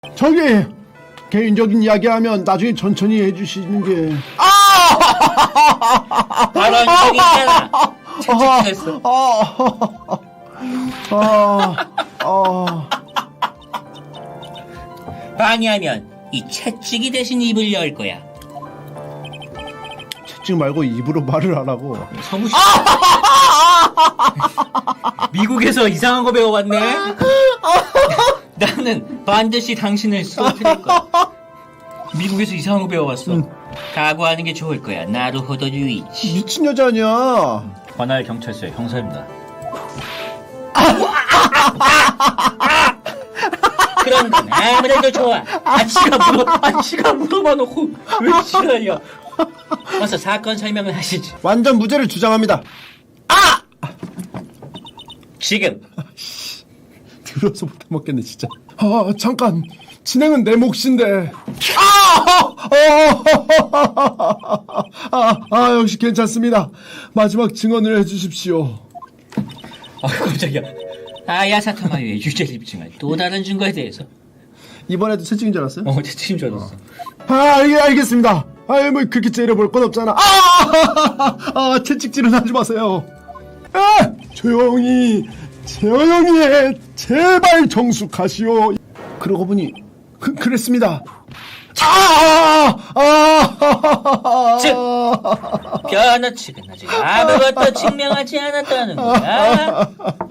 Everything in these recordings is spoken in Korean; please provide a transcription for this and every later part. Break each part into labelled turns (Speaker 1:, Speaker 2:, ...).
Speaker 1: 저기 개인적인 이야기하면 나중에 천천히 해주시는 게.
Speaker 2: 발언적이잖아. 채찍질했어. 방해하면 이 채찍이 대신 입을 열 거야.
Speaker 1: 채찍 말고 입으로 말을 하라고.
Speaker 2: 서부시. 미국에서 이상한 거 배워왔네. 나는 반드시 당신을 쏘트릴 거야. 미국에서 이상한 거 배워왔어. 각오하는 게 좋을 거야. 나루호도 유이치.
Speaker 1: 미친 여자 아니야.
Speaker 2: 관할 경찰서의 형사입니다. 그런 건 아무래도 좋아. 지가 물어봐 놓고 왜 지랄이야. 어서 사건 설명을 하시지.
Speaker 1: 완전 무죄를 주장합니다.
Speaker 2: 지금
Speaker 1: 들어서 못 먹겠네 진짜. 잠깐. 진행은 내 몫인데. 역시 괜찮습니다. 마지막 증언을 해주십시오.
Speaker 2: 깜짝이야. 아야사토마유의 유죄를 입증할 또 다른 증거에 대해서.
Speaker 1: 이번에도 채찍인 줄 알았어요?
Speaker 2: 채찍인 줄 알았어.
Speaker 1: 알겠습니다. 뭐 그렇게 째려볼 건 없잖아. 채찍질은 하지 마세요. 조용히 해. 제발 정숙하시오. 그러고 보니 그랬습니다.
Speaker 2: 즉, 변호 측은 아직 아무것도 증명하지 않았다는 거야.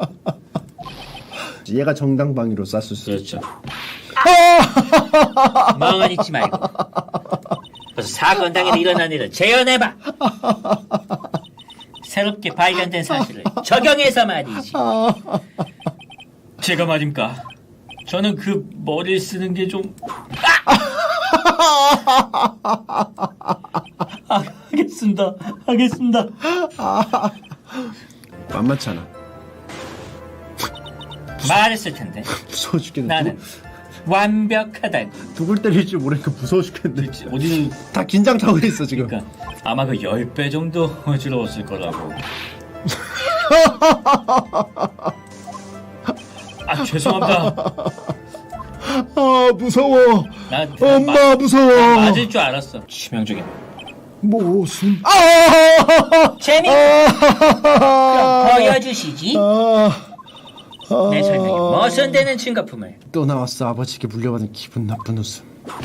Speaker 1: 얘가 정당방위로 쐈을 수 있죠.
Speaker 2: 멍하니 있지 말고 그래서 사건 당일에 일어난 일을 재현해봐. 새롭게 발견된 사실을 적용해서 말이지. 제가 말입니까? 저는 그 머리를 쓰는 게 좀... 하겠습니다.
Speaker 1: 만만치 않아.
Speaker 2: 말했을 텐데.
Speaker 1: 무서워 죽겠네.
Speaker 2: 나는 완벽하다고.
Speaker 1: 누굴 때릴 줄 모르니까 무서워 죽겠네.
Speaker 2: 어디는
Speaker 1: 다 긴장 타고 있어 지금.
Speaker 2: 그러니까 아마 그 10배 정도 어지러웠을 거라고. 죄송합니다.
Speaker 1: 무서워. 엄마 무서워.
Speaker 2: 맞을 줄 알았어. 치명적인.
Speaker 1: 무슨?
Speaker 2: 재미. 그럼 보여주시지. 내 설명에 모순되는 증거품을.
Speaker 1: 또 나왔어. 아버지께 물려받은 기분 나쁜 웃음.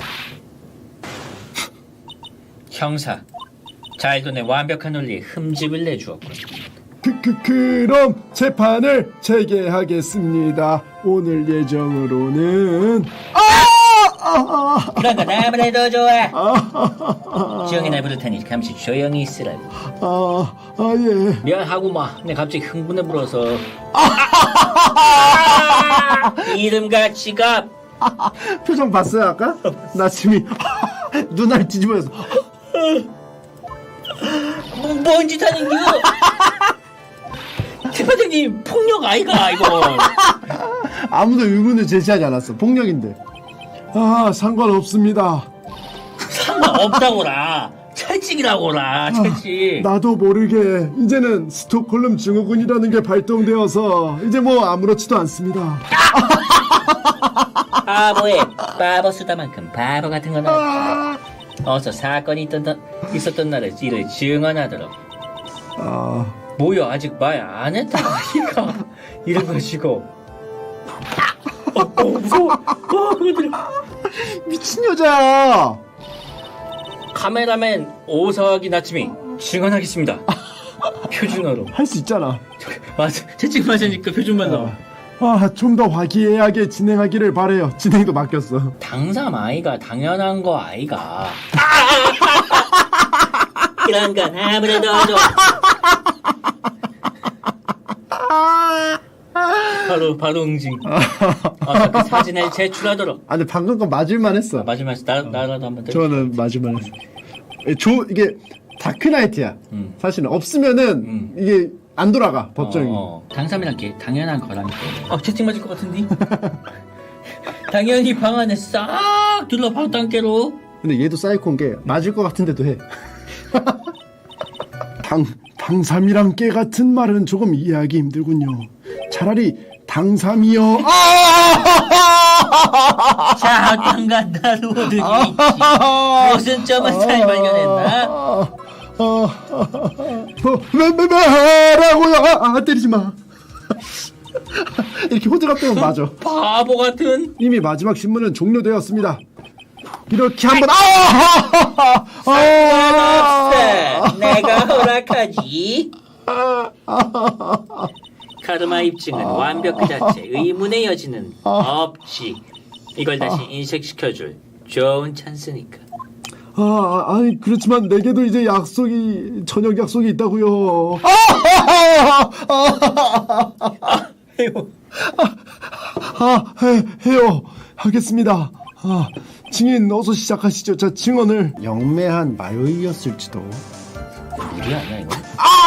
Speaker 2: 형사, 자일돈의 완벽한 논리에 흠집을 내주었군.
Speaker 1: 그럼 재판을 재개하겠습니다. 오늘 예정으로는
Speaker 2: 그런 건 아무래도 좋아. 지영이 부를 테니 잠시 조용히 있으라고.
Speaker 1: 예.
Speaker 2: 미안하고 내 갑자기 흥분해 불어서. 이름과 지갑.
Speaker 1: 표정 봤어요 아까? 나 지금 눈알 뒤집어서.
Speaker 2: 뭔 짓 하는 겨? 대표님 폭력 아이가 이거.
Speaker 1: 아무도 의문을 제시하지 않았어. 폭력인데. 상관없습니다.
Speaker 2: 상관없다고라. 채찍이라고라. 채찍.
Speaker 1: 나도 모르게 이제는 스톡홀름 증후군이라는 게 발동되어서 이제 뭐 아무렇지도 않습니다.
Speaker 2: 바보에 바보 쓰다만큼 바보 같은 건 아니야. 어서 사건이 있었던 날을 이를 증언하도록. 뭐야 아직 말 안 했다 아이가. 이런 것이고. 무서워.
Speaker 1: 미친 여자야.
Speaker 2: 카메라맨 오석이 나침이 증언하겠습니다. 표준어로.
Speaker 1: 할 수 있잖아.
Speaker 2: 맞아. 채찍 맞으니까 표준만 나와.
Speaker 1: 좀 더 화기애애하게 진행하기를 바래요. 진행도 맡겼어.
Speaker 2: 당삼 아이가 당연한 거 아이가. 그런 건 아무래도 좋아. 바로 응징. 그 사진을 제출하도록.
Speaker 1: 근데 방금 건 맞을만 했어.
Speaker 2: 맞으면서 나라도 한번.
Speaker 1: 저는 맞을만 했어. 이게 다크나이트야. 사실은 없으면은 이게 안 돌아가 법정이.
Speaker 2: 당삼이란 게 당연한 거라니까. 채찍 맞을 것 같은데. 당연히 방 안에 싹 둘러 방탄깨로.
Speaker 1: 근데 얘도 사이코인 게 맞을 것 같은데도 해. 당삼이랑 깨 같은 말은 조금 이해하기 힘들군요. 차라리 당삼이요.
Speaker 2: 자, 어떤가 나로드 위치. 무슨 점을 잘 발견했나?
Speaker 1: 뭐라고요? 때리지 마. 이렇게 호들갑 떠면 맞아.
Speaker 2: 바보 같은.
Speaker 1: 이미 마지막 신문은 종료되었습니다. 이렇게 한번
Speaker 2: 상관없어. 내가 허락하지. 카르마 입증은 완벽 그 자체. 의문의 여지는 없지. 이걸 다시 인식시켜줄 좋은 찬스니까.
Speaker 1: 아니 그렇지만 내게도 이제 저녁 약속이 있다고요. 해요. 하겠습니다. 증인 어서 시작하시죠. 자, 증언을 영매한 마요이였을지도.
Speaker 2: 무리 아니야 이거?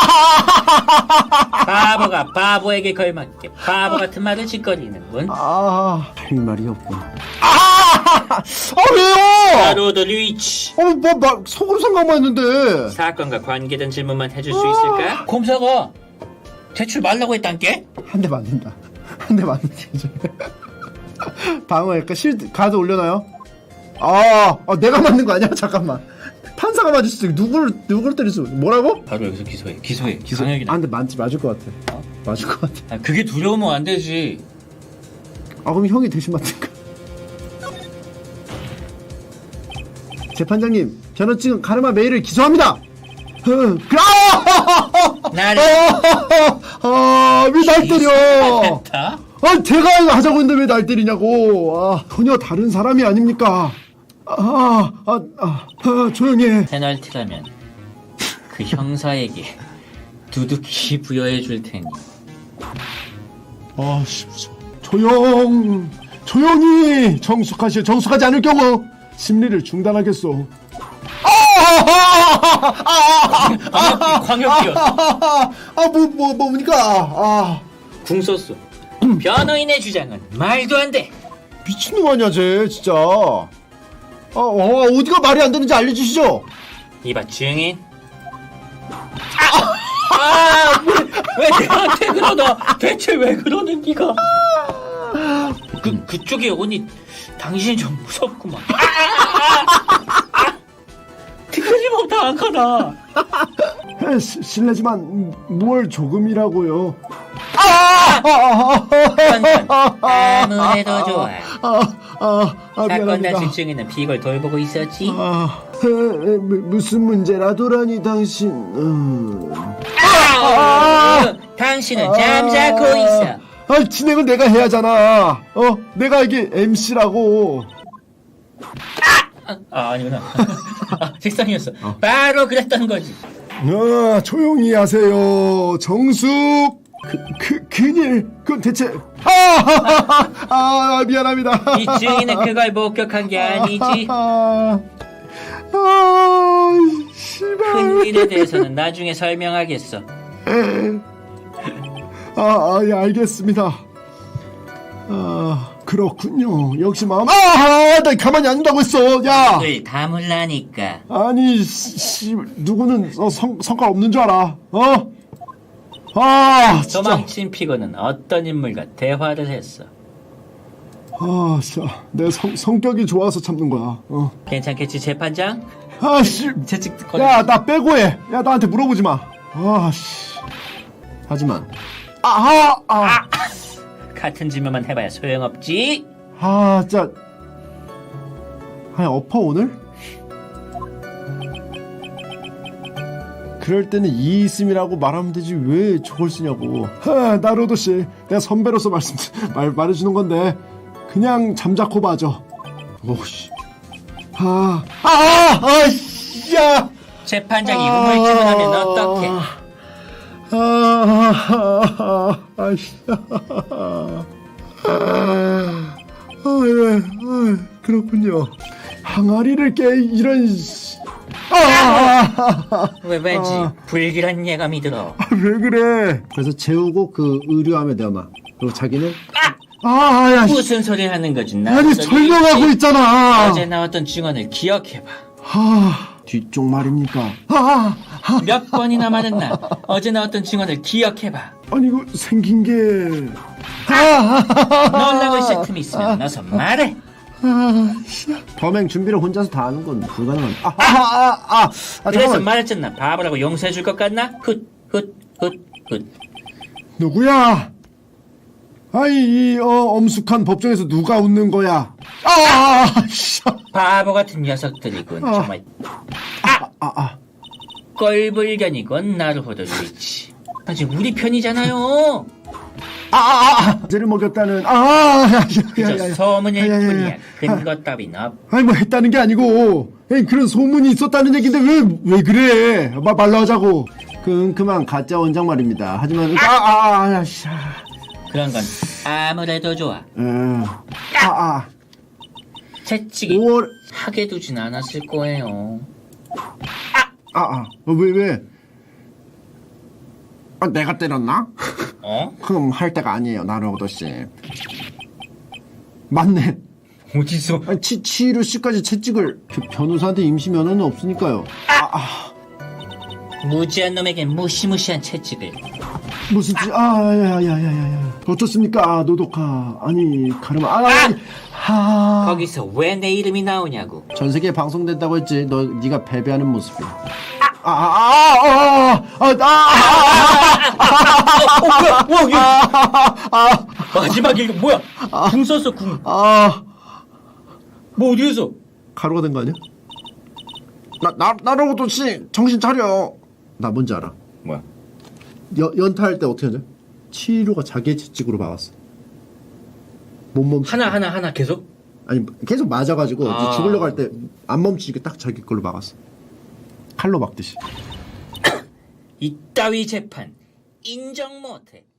Speaker 2: 바보가 바보에게 걸맞게 바보 같은 말을 짓거리는군.
Speaker 1: 할 말이 없구나. 왜요?
Speaker 2: 나로드 리치.
Speaker 1: 속으로 생각만 했는데.
Speaker 2: 사건과 관계된 질문만 해줄 수 있을까? 검사가 대출 말라고 했단께?
Speaker 1: 한 대 맞는다. 한 대 맞는다. 방어할까? 실드 가드 올려놔요? 내가 맞는 거 아니야? 잠깐만. 판사가 맞을 수도 있고 누구를 때릴 수 뭐라고?
Speaker 2: 바로 여기서 기소해. 강력이다.
Speaker 1: 근데 맞을 것 같아. 맞을 것 같아.
Speaker 2: 그게 두려우면 안 되지.
Speaker 1: 그럼 형이 대신 맞을까? 재판장님, 저는 지금 카르마 메일을 기소합니다.
Speaker 2: 나를
Speaker 1: 왜 날 때려?
Speaker 2: 했다?
Speaker 1: 제가 하자고 했는데 왜 날 때리냐고. 전혀 다른 사람이 아닙니까? 조용히 해.
Speaker 2: 페널티라면 그 형사에게 두둑히 부여해 줄 테니.
Speaker 1: 조용히 정숙하지 않을 경우 심리를 중단하겠소.
Speaker 2: 광역기였어.
Speaker 1: 뭡니까?
Speaker 2: 궁 썼어. 변호인의 주장은 말도 안 돼.
Speaker 1: 미친놈 아니야 쟤 진짜. 어디가 말이 안 되는지 알려주시죠.
Speaker 2: 이봐 증인. 왜 나한테 그러나? 대체 왜 그러는 기가? 그쪽에 오니 당신이 좀 무섭구만. 티끌리면 다안 가나.
Speaker 1: 실례지만 뭘 조금이라고요.
Speaker 2: 아무래도 좋아. 사건
Speaker 1: 미안합니다.
Speaker 2: 당시 증인은 비걸 돌보고 있었지.
Speaker 1: 무슨 문제라도라니 당신.
Speaker 2: 당신은 잠자고 있어.
Speaker 1: 진행은 내가 해야잖아. 내가 이게 MC라고.
Speaker 2: 아니구나. 색상이었어. 바로 그랬던 거지.
Speaker 1: 조용히 하세요. 정숙. 큰일. 그건 대체. 미안합니다.
Speaker 2: 이 증인은 그걸 목격한 게 아니지.
Speaker 1: 씨발.
Speaker 2: 큰 일에 대해서는 나중에 설명하겠어.
Speaker 1: 예, 알겠습니다. 그렇군요. 역시 마음. 나 가만히 안 둔다고 했어. 야.
Speaker 2: 늘 다물라니까.
Speaker 1: 아니, 누구는 성깔 없는 줄 알아. 진짜.
Speaker 2: 도망친 피고는 어떤 인물과 대화를 했어.
Speaker 1: 진짜. 내 성격이 좋아서 참는 거야.
Speaker 2: 괜찮겠지 재판장? 채찍 꺼내.
Speaker 1: 야, 나 빼고 해. 야, 나한테 물어보지 마. 하지만.
Speaker 2: 같은 질문만 해봐야 소용없지.
Speaker 1: 진짜. 엎어 오늘? 그럴 때는 이 있음이라고 말하면 되지 왜 저걸 쓰냐고. 나로도 씨, 내가 선배로서 말해주는 건데 그냥 잠자코 봐줘. 오씨. 야.
Speaker 2: 재판장이 우물쭈물하면 어떡해?
Speaker 1: 그렇군요. 항아리를 깨 이런.
Speaker 2: 왠지 불길한 예감이 들어.
Speaker 1: 왜 그래? 그래서 재우고 그 의료함에 넣어놔. 그리고 자기는
Speaker 2: 무슨 소리 하는 거지?
Speaker 1: 아니 설명하고 있잖아.
Speaker 2: 어제 나왔던 증언을 기억해봐.
Speaker 1: 뒤쪽 말입니까?
Speaker 2: 몇 번이나 말했나? 어제 나왔던 증언을 기억해봐.
Speaker 1: 아니 이거 생긴 게
Speaker 2: 놀라고 있을 틈이 있으면 어서 말해.
Speaker 1: 범행 준비를 혼자서 다 하는 건 불가능한.
Speaker 2: 그래서
Speaker 1: 잠깐만.
Speaker 2: 말했잖아. 바보라고 용서해줄 것 같나? 훗.
Speaker 1: 누구야? 아이 이 엄숙한 법정에서 누가 웃는 거야?
Speaker 2: 바보 같은 녀석들이군. 정말 꼴불견이군. 나루호도 루이치. 아직 우리 편이잖아요.
Speaker 1: 죄를 먹였다는
Speaker 2: 그저 소문일 뿐이야. 근거 따윈 없.
Speaker 1: 아니 뭐 했다는 게 아니고 그런 소문이 있었다는 얘긴데 왜 그래? 말로 하자고. 그만 가짜 원장 말입니다. 하지만
Speaker 2: 그런 건 아무래도 좋아. 채찍이
Speaker 1: 5월
Speaker 2: 하게 두진 않았을 거예요.
Speaker 1: 왜? 내가 때렸나?
Speaker 2: 어?
Speaker 1: 그럼 할 때가 아니에요, 나루오도 씨. 맞네.
Speaker 2: 어디서?
Speaker 1: 아니, 치히로 씨까지 채찍을 변호사한테 임시 면허는 없으니까요.
Speaker 2: 무지한 놈에겐 무시무시한 채찍을.
Speaker 1: 무슨 야야야야야. 어떻습니까, 노도카? 아니 가르마.
Speaker 2: 거기서 왜 내 이름이 나오냐고.
Speaker 1: 전 세계에 방송된다고 했지. 네가 패배하는 모습이.
Speaker 2: 마지막에 이거 뭐야? 궁 썼어 궁. 뭐 어디에서?
Speaker 1: 가루가 된 거 아니야? 나로도 씨 정신 차려. 나 뭔지 알아.
Speaker 2: 뭐야?
Speaker 1: 연타할 때 어떻게 하냐? 치히로가 자기의 채찍으로 막았어. 못 멈추.
Speaker 2: 하나 계속?
Speaker 1: 아니 계속 맞아가지고 이제 죽으려고 할 때 안 멈추니까 딱 자기 걸로 막았어. 칼로 막듯이.
Speaker 2: 이따위 재판 인정 못해.